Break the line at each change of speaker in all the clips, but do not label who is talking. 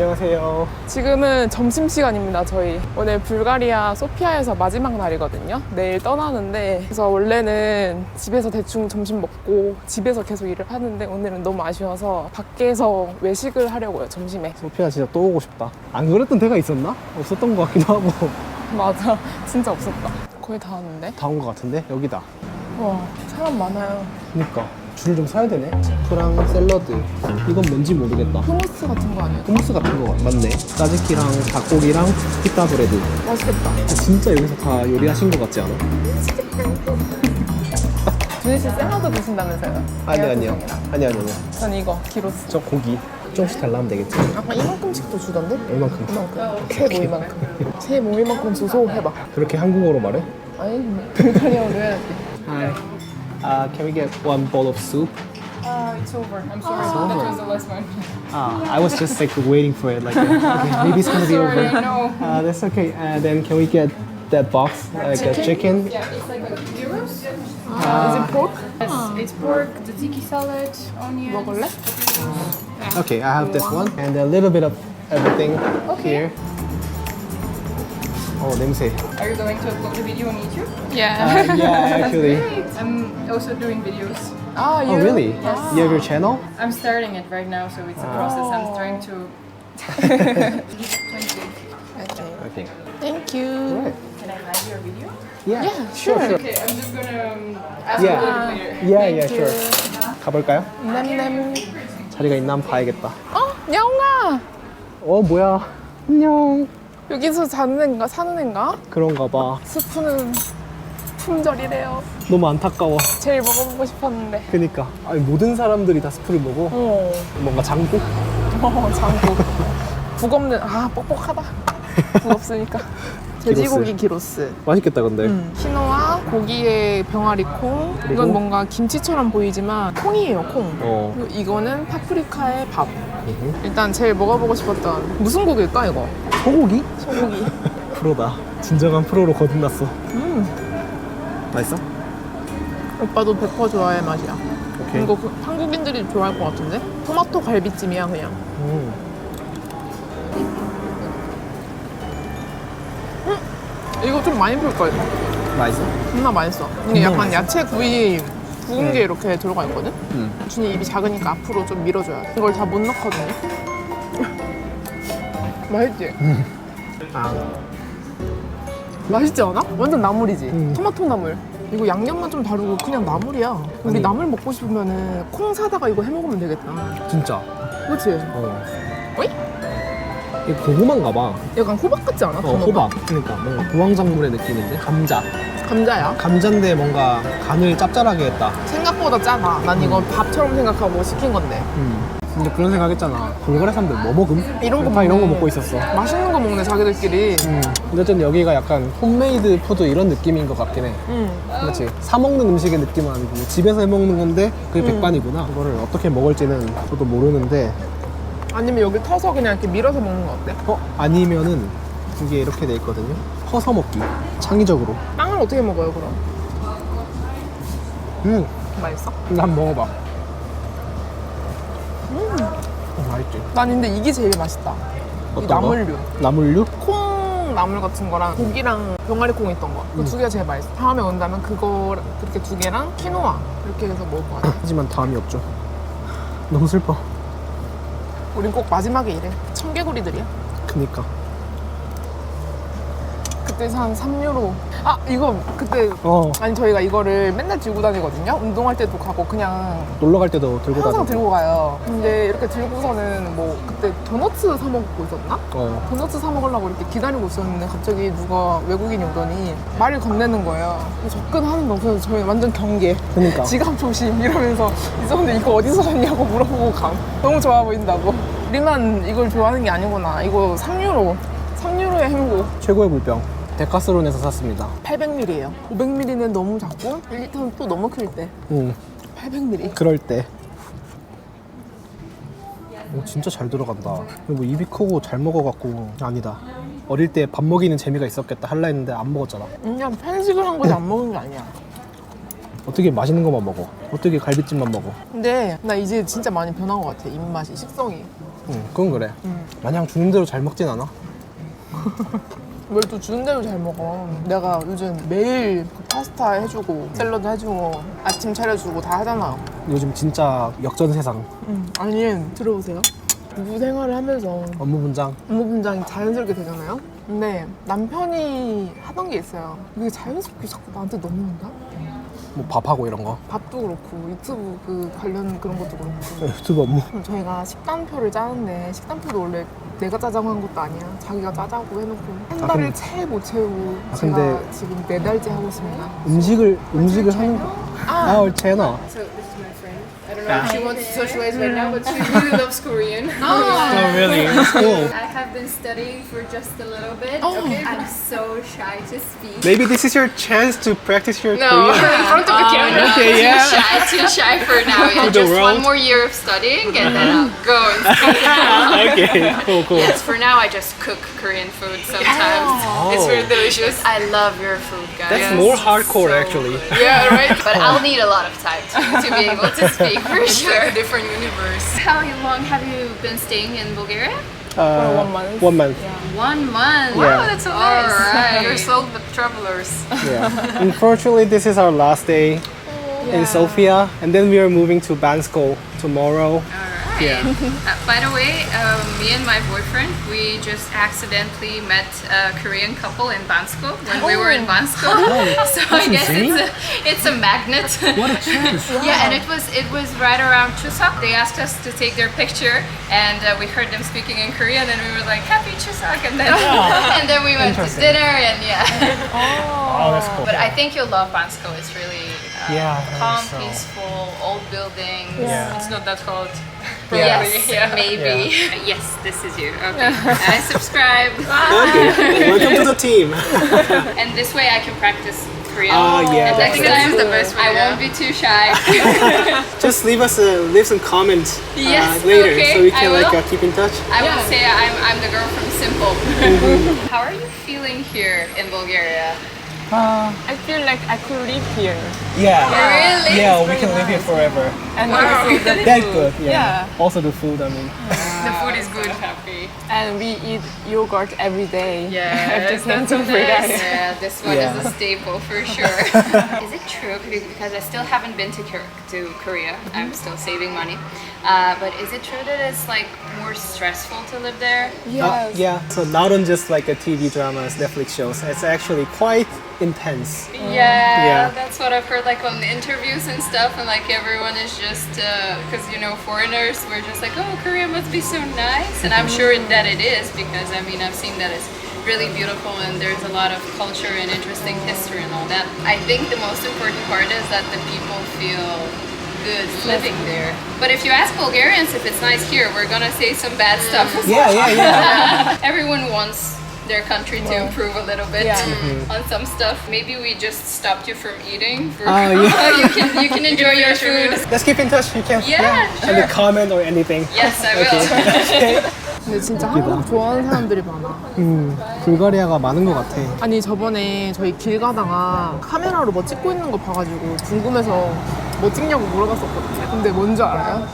안녕하세요.
지금은 점심시간입니다. 저희 오늘 불가리아 소피아에서 마지막 날이거든요. 내일 떠나는데, 그래서 원래는 집에서 대충 점심 먹고 집에서 계속 일을 하는데 오늘은 너무 아쉬워서 밖에서 외식을 하려고요. 점심에.
소피아 진짜 또 오고 싶다. 안 그랬던 데가 있었나? 없었던 것 같기도 하고.
맞아, 진짜 없었다. 거의 다 왔는데.
다 온 것 같은데? 여기다.
와, 사람 많아요.
그니까 줄을 좀 서야 되네. 스프랑 샐러드. 이건 뭔지 모르겠다.
후무스 같은 거 아니에요?
hummus 같은 거 맞네. 짜즈키랑 닭고기랑 피타 브레드.
맛있겠다.
진짜 여기서 다 요리하신 것 같지 않아?
준희 씨 샐러드 드신다면서요?
아니요. 아니요.
전 이거 기로스.
저 고기 조금씩 달라면 되겠지.
아까 이만큼씩도 주던데?
얼만큼?
이만큼. 새 모이만큼. 새 모이만큼 주소 해봐.
그렇게 한국어로 말해?
아니, 불가리아어로 해야지.
Hi. Can we get one bowl of soup?
It's over. I'm sorry.
It's over.
That was the last one.
I was just like waiting for it. Like, okay, maybe it's gonna be over.
Sorry, no.
That's okay. Then can we get that box, like a chicken?
Yeah, it's like a gyros.
Is it pork?
Yes, it's pork, tzatziki salad, onions.
먹을래?
Okay, I have this one and a little bit of everything here. Oh, 냄새.
Are you going to upload the video on YouTube?
Yeah.
Yeah, actually.
I'm also doing videos.
Ah, you?
Oh, really? You have your channel?
I'm starting it right now, so it's a process. I'm trying to. 20.
Okay.
Thank you.
Right.
Can I hide your video?
Yeah,
sure.
Okay, I'm just gonna ask
Yeah.
a little later.
Yeah, sure. 가볼까요?
냄냄.
자리가 있나 한번 봐야겠다.
야옹아!
뭐야. 안녕.
여기서 사는 애인가?
그런가 봐.
스프는 품절이래요.
너무 안타까워.
제일 먹어보고 싶었는데.
그니까. 아니, 모든 사람들이 다 스프를 먹어. 뭔가 장국?
장국. 국 없는, 뻑뻑하다. 국 없으니까. 돼지고기 기로스.
맛있겠다, 근데.
키노아, 고기에 병아리 콩.
그리고?
이건 뭔가 김치처럼 보이지만 콩이에요, 콩.
어.
그리고 이거는 파프리카의 밥. 일단 제일 먹어보고 싶었던 무슨 고기일까 이거?
소고기?
소고기.
프로다. 진정한 프로로 거듭났어. 맛있어?
오빠도 100% 좋아할 맛이야.
오케이.
이거 한국인들이 좋아할 것 같은데? 토마토 갈비찜이야 그냥. 이거 좀 많이 풀걸.
맛있어?
존나 맛있어. 이게 약간
맛있어?
야채 구이 구운 게 이렇게 들어가 있거든?
응.
준이 입이 작으니까 앞으로 좀 밀어줘야 돼. 이걸 다 못 넣거든요. 맛있지? 맛있지 않아? 완전 나물이지? 토마토 나물. 이거 양념만 좀 다르고 그냥 나물이야. 우리
아니.
나물 먹고 싶으면은 콩 사다가 이거 해 먹으면 되겠다.
진짜.
그치?
어이? 이거 고구마인가 봐.
약간 호박 같지 않아? 단어가?
호박. 그러니까 뭔가 부황작물의 느낌인데? 감자.
감자야?
감자인데 뭔가 간을 짭짤하게 했다.
생각보다 짜다. 난 이거 밥처럼 생각하고 시킨 건데.
근데 그런 생각 했잖아. 불가리아 사람들 뭐 먹음?
이런 거
다 이런 거
먹네.
먹고 있었어.
맛있는 거 먹네, 자기들끼리.
근데 좀 여기가 약간 홈메이드 푸드 이런 느낌인 것 같긴 해. 그렇지. 사 먹는 음식의 느낌은 아니고 집에서 해 먹는 건데 그게 백반이구나. 이거를 어떻게 먹을지는 저도 모르는데
아니면 여기 터서 그냥 이렇게 밀어서 먹는 거 어때?
아니면은 이게 이렇게 돼 있거든요. 퍼서 먹기. 창의적으로.
빵을 어떻게 먹어요, 그럼? 맛있어?
이거 한번 먹어봐. 맛있지.
난 근데 이게 제일 맛있다. 이
어떤 거?
나물류.
나물류?
콩 나물 같은 거랑 고기랑 병아리 콩 있던 거. 그 두 개가 제일 맛있어. 다음에 온다면 그거 그렇게 두 개랑 키노아 이렇게 해서 먹을 것 같아.
하지만 다음이 없죠. 너무 슬퍼.
우린 꼭 마지막에 이래. 청개구리들이야.
그니까.
그때 한 3유로. 이거 그때 아니 저희가 이거를 맨날 들고 다니거든요. 운동할 때도 가고 그냥
놀러 갈 때도 들고
항상
다니고.
들고 가요. 근데 이렇게 들고서는 뭐 그때 도너츠 사 먹고 있었나? 도너츠 사 먹으려고 이렇게 기다리고 있었는데 갑자기 누가 외국인이 오더니 말을 건네는 거예요. 접근하는 거 없어서 저희 완전 경계.
그니까.
지갑 조심 이러면서 있었는데 이거 어디서 샀냐고 물어보고 감. 너무 좋아 보인다고. 우리만 이걸 좋아하는 게 아니구나. 이거 3유로. 3유로의 행복.
최고의 물병. 데카스론에서 샀습니다.
800ml예요. 500ml는 너무 작고 1리터는 또 너무 클 때. 800ml.
그럴 때. 진짜 잘 들어간다. 뭐 입이 크고 잘 먹어갖고 아니다. 어릴 때 밥 먹이는 재미가 있었겠다 할라 했는데 안 먹었잖아.
그냥 편식을 한 거지 안 먹은 게 아니야.
어떻게 맛있는 것만 먹어? 어떻게 갈비찜만 먹어?
근데 나 이제 진짜 많이 변한 것 같아. 입맛이, 식성이.
응, 그건 그래. 마냥 주는 대로 잘 먹진 않아.
뭘 또 주는 대로 잘 먹어. 내가 요즘 매일 파스타 해주고 샐러드 해주고 아침 차려주고 다 하잖아.
요즘 진짜 역전세상.
아니 들어보세요. 부부 생활을 하면서
업무 분장.
업무 분장이 자연스럽게 되잖아요. 근데 남편이 하던 게 있어요. 그게 자연스럽게 자꾸 나한테 넘어온다?
뭐 밥하고 이런 거.
밥도 그렇고 유튜브 그 관련 그런 것도 그렇고.
유튜브 업무.
저희가 식단표를 짜는데 식단표도 원래 내가 짜자고 한 것도 아니야. 자기가 짜자고 해놓고 한 달을
근데-
채 못 채우고
아,
제가
근데-
지금 4달째 하고 있습니다.
음식을 하는 거. Our channel.
So this is my friend. I don't know if she wants to socialize right now, but she really loves Korean.
Oh, really? That's cool.
I have been studying for just a little bit.
Oh.
Okay. I'm so shy to speak.
Maybe this is your chance to practice your
No,
Korean.
in front of the camera.
Okay, yeah.
Too shy for now. Yeah,
To the
just
world.
one more year of studying and then I'll go and speak.
Okay, cool.
Yes, for now I just cook Korean food sometimes. It's really delicious. I love your food, guys.
That's more hardcore, actually.
Yeah, right? But I'll need a lot of time to be able to speak for sure.
Different universe.
How long have you been staying in Bulgaria?
1 month.
1 month.
1 month.
Yeah.
Wow, that's so nice.
Alright.
You're sold with travelers.
Yeah. Unfortunately, this is our last day in Sofia, and then we are moving to Bansko tomorrow. Yeah.
By the way, me and my boyfriend, we just accidentally met a Korean couple in Bansko when we were in Bansko. So I guess
insane.
it's a magnet.
What a chance!
Yeah, and it was right around Chuseok. They asked us to take their picture, and we heard them speaking in Korean, and we were like, "Happy Chuseok!" And then and then we went to
Interesting.
dinner, and yeah.
Oh, that's cool.
But I think you'll love Bansko. It's really
Yeah, I
calm,
think so.
peaceful, old buildings.
Yeah.
It's not that cold.
Yes,
Yeah.
maybe. Yes, this is you. Okay. I subscribe.
Okay, welcome to the team.
And this way I can practice Korean.
Oh, yeah,
And
that's
next
right.
time
This is the best way,
I
yeah.
won't be too shy.
Just leave some comments
Yes,
later,
okay,
so we can
I will.
keep in touch.
I will say I'm the girl from Simple. How are you feeling here in Bulgaria?
I feel like I could live here.
Yeah.
Really?
Yeah, we can live here forever.
And also the
That's
food.
good. Yeah.
Yeah.
Also the food. I mean.
The food is good.
Happy.
And we eat yogurt every day.
Yeah,
After came to Bulgaria.
Yeah, this one
Yeah.
is a staple for sure. Is it true? Because I still haven't been to Korea. I'm still saving money. But is it true that it's like more stressful to live there?
Yes.
Yeah. So not on just like a TV dramas, Netflix shows. It's actually quite intense. Yeah.
That's what I've heard like on interviews and stuff, and like everyone is just because foreigners were just like, oh, Korea must be so nice, and I'm sure that it is because I mean I've seen that it's really beautiful and there's a lot of culture and interesting history and all that. I think the most important part is that the people feel good living there. But if you ask Bulgarians if it's nice here, we're gonna say some bad stuff. as well.
Yeah.
Everyone wants their country to improve a little bit on some stuff. Maybe we just stopped you from eating. For
Oh, yeah.
you can enjoy your food.
Let's keep in touch. You can.
Yeah,
And
sure.
a comment or anything.
Yes, I will.
근데 진짜 한국 좋아하는 사람들이 많아.
불가리아가 많은 것 같아.
아니 저번에 저희 길 가다가 카메라로 뭐 찍고 있는 거 봐가지고 궁금해서 뭐 찍냐고 물어봤었거든요. 근데 뭔지 알아요?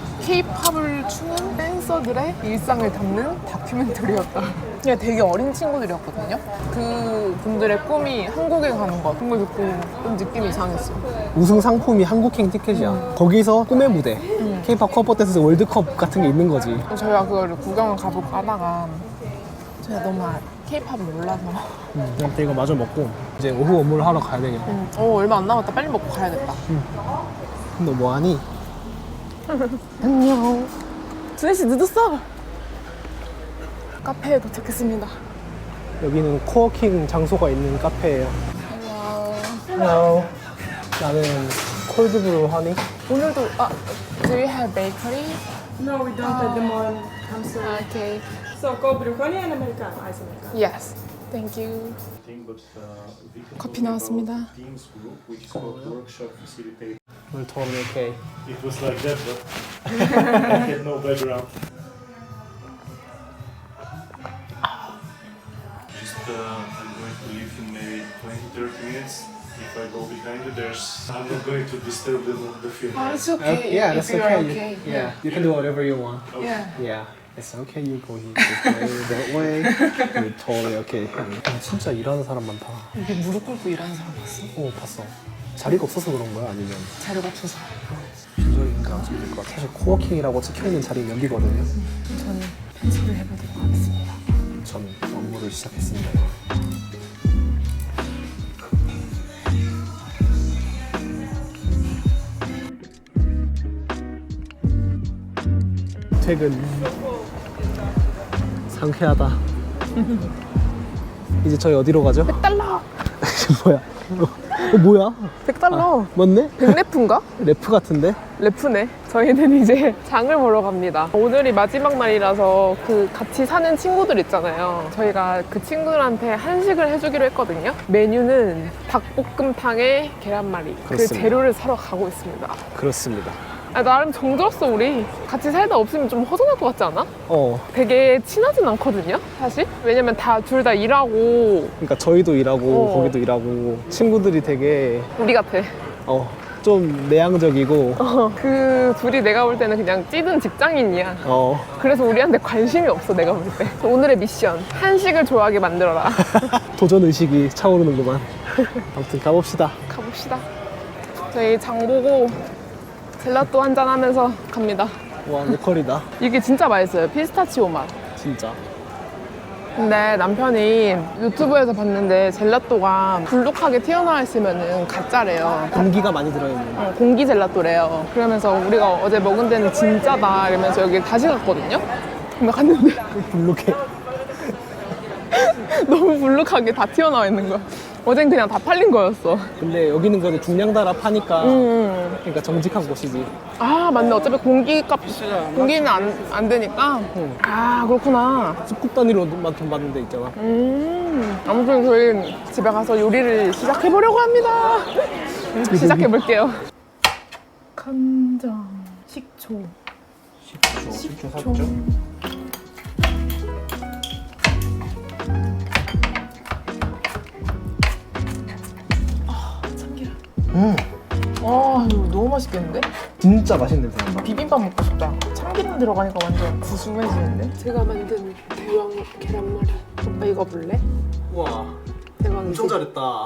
K-팝을 추는 댄서들의 일상을 담는 다큐멘터리였다. 그냥 되게 어린 친구들이었거든요. 그 분들의 꿈이 한국에 가는 것. 그런 걸 듣고 좀 느낌이 이상했어.
우승 상품이 한국행 티켓이야. 거기서 꿈의 무대. K-pop 커버 댄스 월드컵 같은 게 있는 거지.
저희가 그거를 구경을 가볼까 하다가 제가 너무 K-팝을 몰라서
그냥 이거 마저 먹고 이제 오후 업무를 하러 가야 되겠다.
얼마 안 남았다. 빨리 먹고 가야겠다.
너 뭐하니?
안녕. 준혜씨 늦었어. 카페에 도착했습니다.
여기는 코워킹 장소가 있는 카페예요. Hello. 나는 콜드브루 허니.
오늘도 do you have bakery?
No, we don't at the moment. I'm sorry.
Okay.
So, cold brew honey and Americano, ice Americano.
Yes. Thank you.
커피
나왔습니다.
Teams group, which is called Workshop Facilitator.
오늘 totally okay.
It was like that, but I had no background. Just I'm going to leave in maybe 20-30 minutes. If I go behind you, I'm not going to disturb the film.
It's okay.
Yeah,
if
that's
you're
okay.
okay.
Yeah, you can do whatever you want.
Yeah.
Yeah. It's okay, you go here, this way, that way. You're totally okay. 진짜 일하는 사람 많다.
이게 무릎 꿇고 일하는 사람 봤어?
봤어. 자리가 없어서 그런 거야? 아니면
자리가 없어서.
조절인가 좀 것 같아. 사실 코워킹이라고 찍혀있는 자리는 여기거든요.
저는 편집을 해보도록 하겠습니다.
저는 업무를 시작했습니다. 퇴근. 상쾌하다. 이제 저희 어디로 가죠?
100달러!
뭐야? 뭐야?
100달러!
맞네?
100래프인가?
래프 같은데?
래프네. 저희는 이제 장을 보러 갑니다. 오늘이 마지막 날이라서 그 같이 사는 친구들 있잖아요. 저희가 그 친구들한테 한식을 해주기로 했거든요. 메뉴는 닭볶음탕에 계란말이. 그
그렇습니다.
재료를 사러 가고 있습니다.
그렇습니다.
아, 나름 정들었어, 우리. 같이 살다 없으면 좀 허전할 것 같지 않아? 되게 친하진 않거든요, 사실. 왜냐면 둘 다 일하고,
그러니까 저희도 일하고
어.
거기도 일하고 친구들이 되게
우리 같아.
좀 내향적이고
그 둘이 내가 볼 때는 그냥 찌든 직장인이야. 그래서 우리한테 관심이 없어, 내가 볼 때. 오늘의 미션. 한식을 좋아하게 만들어라.
도전 의식이 차오르는구만. 아무튼 가봅시다.
가봅시다. 저희 장 보고 젤라또 한잔 하면서 갑니다.
와, 로컬이다.
이게 진짜 맛있어요. 피스타치오 맛.
진짜.
근데 남편이 유튜브에서 봤는데 젤라또가 불룩하게 튀어나와 있으면 가짜래요.
공기가 많이 들어있는.
공기 젤라또래요. 그러면서 우리가 어제 먹은 데는 진짜다 이러면서 여기 다시 갔거든요. 근데 갔는데
불룩해.
너무 불룩하게 다 튀어나와 있는 거야. 어젠 그냥 다 팔린 거였어.
근데 여기는 그래도 중량 달아 파니까 그러니까 정직한 곳이지.
아 맞네. 어차피 공기는 안 되니까. 아 그렇구나.
스쿱 단위로만 돈 받는 데 있잖아.
아무튼 저희 집에 가서 요리를 시작해보려고 합니다. 시작해볼게요. 간장, 식초.
식초 샀죠?
와 이거 너무 맛있겠는데?
진짜 맛있는 냄새 난다.
비빔밥 먹고 싶다. 참기름 들어가니까 완전 구수해지는데? 제가 만든 대왕 계란말이. 오빠 이거 볼래?
우와,
대왕이지?
엄청 잘했다.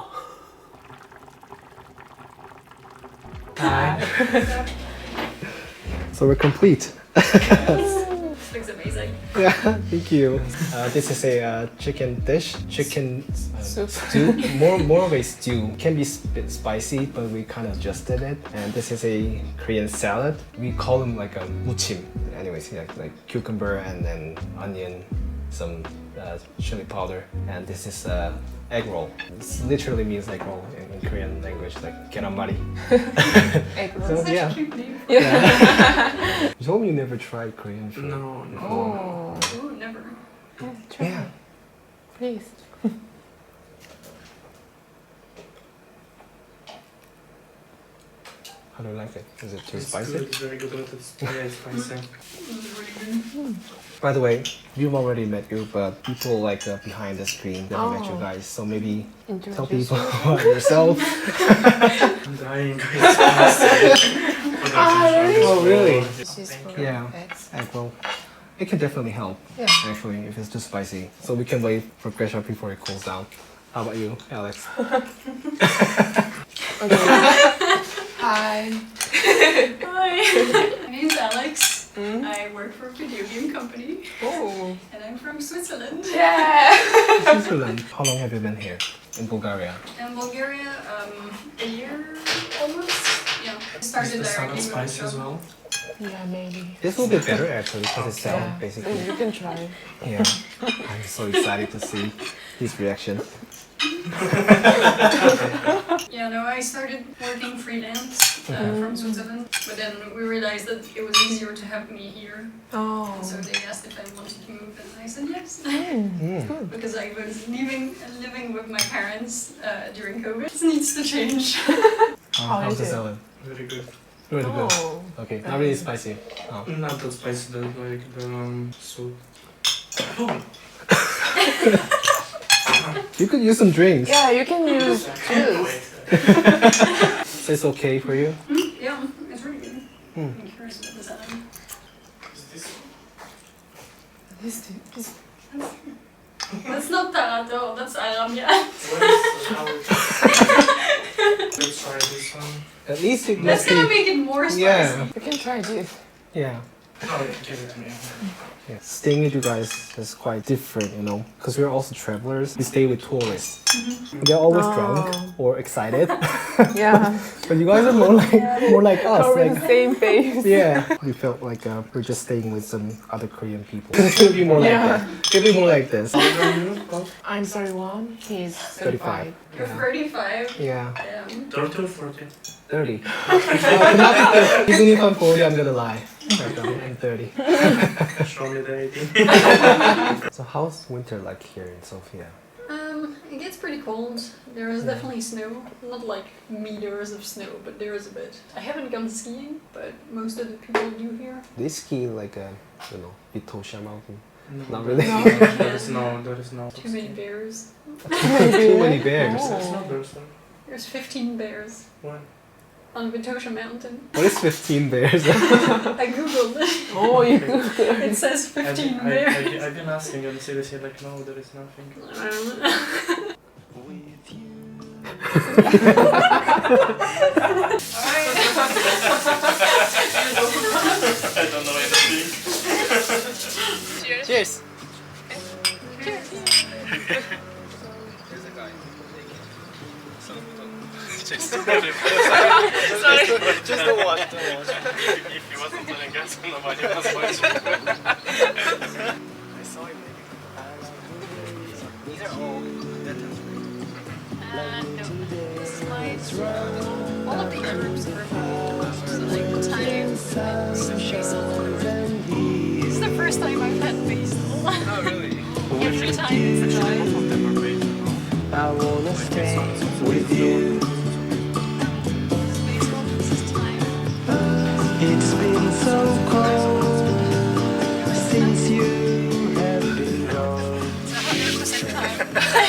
So we're complete.
Looks amazing.
Yeah, thank you. This is a chicken dish, chicken stew. More of a stew. Can be a bit spicy, but we kind of adjusted it. And this is a Korean salad. We call them like a muchim. Anyways, yeah, like cucumber and then onion, some chili powder. And this is egg roll. This literally means egg roll in Korean language, like keramari.
egg
So
roll.
yeah. You told me you never tried Korean food.
No.
Oh,
Ooh, never.
try.
Yeah.
Please.
How do you like it? Is it too
It's
spicy?
good, it's very good, but it's spicy.
By the way, we've already met you, but people like behind the screen that met you
Oh.
guys. So maybe tell
Introduce
people about yourself.
I'm dying. It's spicy.
Oh, really?
This is for
Yeah.
eggs.
Egg roll. It can definitely help,
Yeah.
actually, if it's too spicy. So we can wait for pressure before it cools down. How about you, Alex?
Hi.
Hi. My name's Alex. I work for a video game company.
Oh.
And I'm from Switzerland.
Switzerland. How long have you been here in Bulgaria?
In Bulgaria, a year almost. Yeah. I started
Is the salad
directly with
spicy
the
as
job.
well?
Yeah, maybe.
This will be better, actually, because it's salad,
Yeah.
basically.
You can try.
Yeah. I'm so excited to see his reaction.
Yeah, no, I started working freelance from Switzerland, but then we realized that it was easier to have me here.
Oh.
So they asked if I wanted to move, and I said yes.
Mm.
Because I was living with my parents during COVID. It needs to change.
How
How's
is
the
it?
salad?
Very good.
Really good.
Oh.
Okay, not really spicy. Oh.
Not that spicy, though, like the soup.
You could use some drinks.
Yeah, you can use juice.
So it's okay for you?
Yeah, it's really good. I'm curious about the salad.
That's not Tarato, that's Aramya.
Let's try this one.
At least it
That's
must
gonna
be.
make it more spicy.
Yeah,
You can try this.
yeah.
Oh, give it to me.
Yeah. Staying with you guys is quite different, you know, because we're also travelers. We stay with tourists. They're always drunk or excited,
Yeah.
but you guys are more like us.
We're
Like,
the same face.
yeah, we felt like we're just staying with some other Korean people. It'll be more like that. It'll be more like this.
I'm 31. He's
35.
You're 35.
Yeah,
Damn.
30 or 40?
30. Even if I'm 40, I'm gonna lie. I'm 30.
Show me the 18.
So how's winter like here in Sofia?
It gets pretty cold. There is definitely snow. Not like meters of snow, but there is a bit. I haven't gone skiing, but most of the people do here.
They ski like a, you know, Vitosha mountain.
No,
Not really.
There is no.
Too many bears.
Too many bears.
It's not there, sir.
There's 15 bears
Why?
on Vitosha Mountain.
What is 15 bears?
I googled it.
Oh, you.
It says 15 bears.
I've been asking and they say like, no, there is nothing.
I don't know.
I don't know anything.
Cheers. Just the one.
If he wasn't telling us, nobody was watching.
I saw it. These are all
All of the herbs are so like thyme, sushi salad. This is the first time I've had basil.
Oh really?
Every time it's dry.
I wanna stay with you.
Basil, this is thyme.
It's been so cold since you have been gone.
It's 100% thyme.